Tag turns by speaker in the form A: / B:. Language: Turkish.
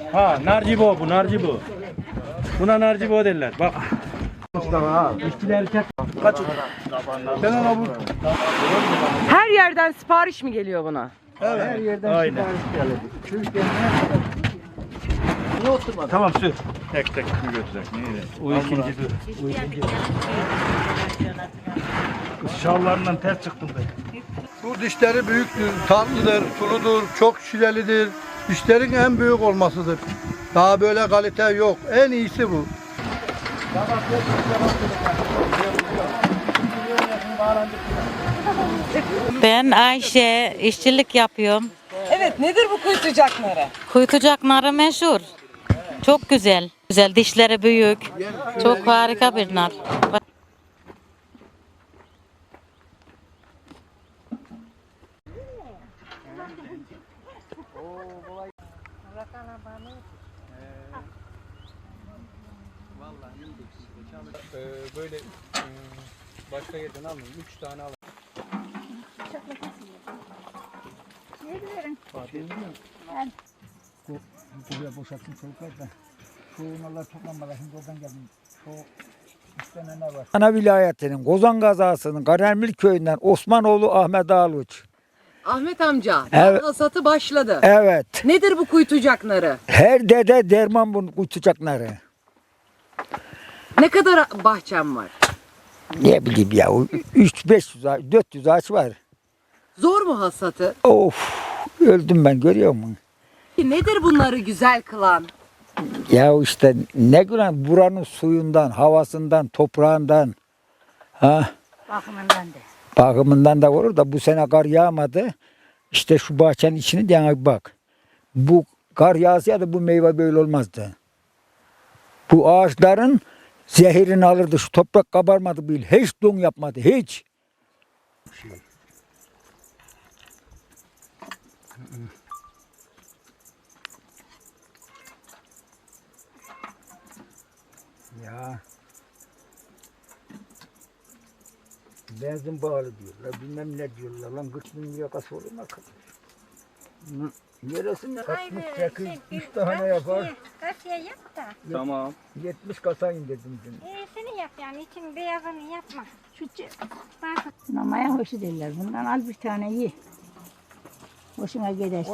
A: Ha, narcibo bu, narcibo. Buna narcibo derler. Bak. İşçiler çek. Kaç? Sen ona vur.
B: Her yerden sipariş mi geliyor buna?
A: Evet.
C: Her yerden
A: Aynen.
C: sipariş geldi. Şu kendine
A: Tamam sür. Tek tek mi götürecek? Neydi? O ikinci sür. O ikinci. Kız şallarından ters çıktım ben.
D: Bu dişleri büyüktür, tatlıdır, suludur, çok şirelidir. Dişlerin en büyük olmasıdır. Daha böyle kalite yok. En iyisi bu.
E: Ben Ayşe, işçilik yapıyorum.
B: Evet, nedir bu kuytucak narı?
E: Kuytucak narı meşhur. Çok güzel. Güzel, dişleri büyük. Çok harika bir nar.
C: böyle başka yerden alın. 3 tane alın. Buraya boşalttım çocuklar da. Şu onlarla toplanmadan şimdi oradan geldim. Şu istenen var. Ana vilayetinin Kozan kazasının Karamil köyünden Osmanoğlu Ahmet Ağluç.
B: Ahmet amca,
C: Evet.
B: hasatı başladı.
C: Evet.
B: Nedir bu kuytucak narı?
C: Her dede derman bunu kutacakları.
B: Ne kadar bahçem var?
C: Ne bileyim ya 300-500 400 ağaç var.
B: Zor mu hasatı?
C: Of öldüm ben görüyor musun?
B: Nedir bunları güzel kılan?
C: Ya işte ne güzel buranın suyundan, havasından, toprağından. Ha? Bakımından da olur da bu sene kar yağmadı. İşte şu bahçenin içini yana bir bak. Bu kar yağsaydı bu meyve böyle olmazdı. Bu ağaçların zehirini alırdı. Şu toprak kabarmadı bile. Hiç don yapmadı. Hiç. Ya. Benzin bağlı diyorlar. Bilmem ne diyorlar. Lan 40 bin lira kasa olur mu? Neresinde? 68 3 tane yapar.
F: Kasiye yap da.
A: Tamam.
C: 70 kasayım dedim dün.
F: İyisini yap yani. İçin beyazını yapma.
G: Namaya hoşu derler. Bundan al bir tane ye. Hoşuna gider.